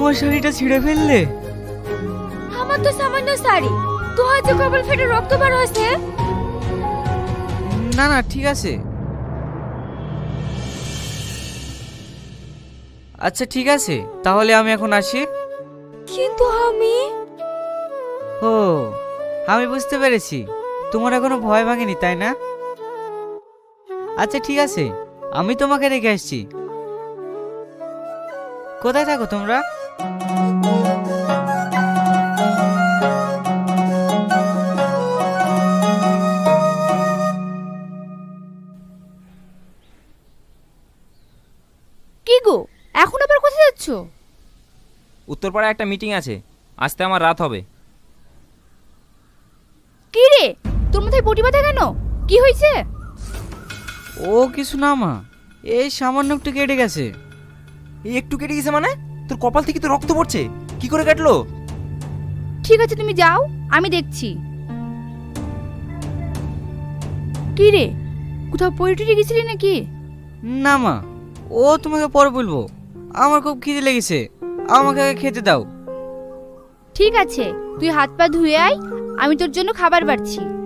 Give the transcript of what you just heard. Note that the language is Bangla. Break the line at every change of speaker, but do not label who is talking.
আমার শাড়িটা ছিঁড়ে ফেললে?
আমার তো সামান্য শাড়ি, তো হয়তো কপাল ফেটে রক্ত বার হয়েছে।
না না, ঠিক আছে। আচ্ছা ঠিক আছে, তাহলে আমি এখন আসি।
কিন্তু আমি
ও, আমি বুঝতে পেরেছি, তোমার এখনো ভয় ভাঙেনি তাই না? আচ্ছা ঠিক আছে, আমি তোমাকে রেখে আসছি। কোথায় থাকো তোমরা?
কি গো, এখন আবার কোথায় যাচ্ছ?
উত্তরপাড়ায় একটা মিটিং আছে, আসতে আমার রাত হবে।
কি রে, তোর মাথায় বটি বাঁধা কেন? কি হয়েছে?
ও কিছু না মা, এই সামান্য একটু কেটে গেছে।
এই একটু কেটে গেছে মানে? তোর কপাল থেকে তো রক্ত পড়ছে, কি করে কাটলো?
ঠিক আছে তুমি যাও, আমি দেখছি। কি রে, কোথাও পড়ে টুটে গেছিলি নাকি?
না মা, ও তোমাকে পরে বলবো। আমার খুব খিদে লেগেছে, আমাকে আগে খেতে দাও।
ঠিক আছে, তুই হাত পা ধুয়ে আয়, আমি তোর জন্য খাবার বাড়ছি।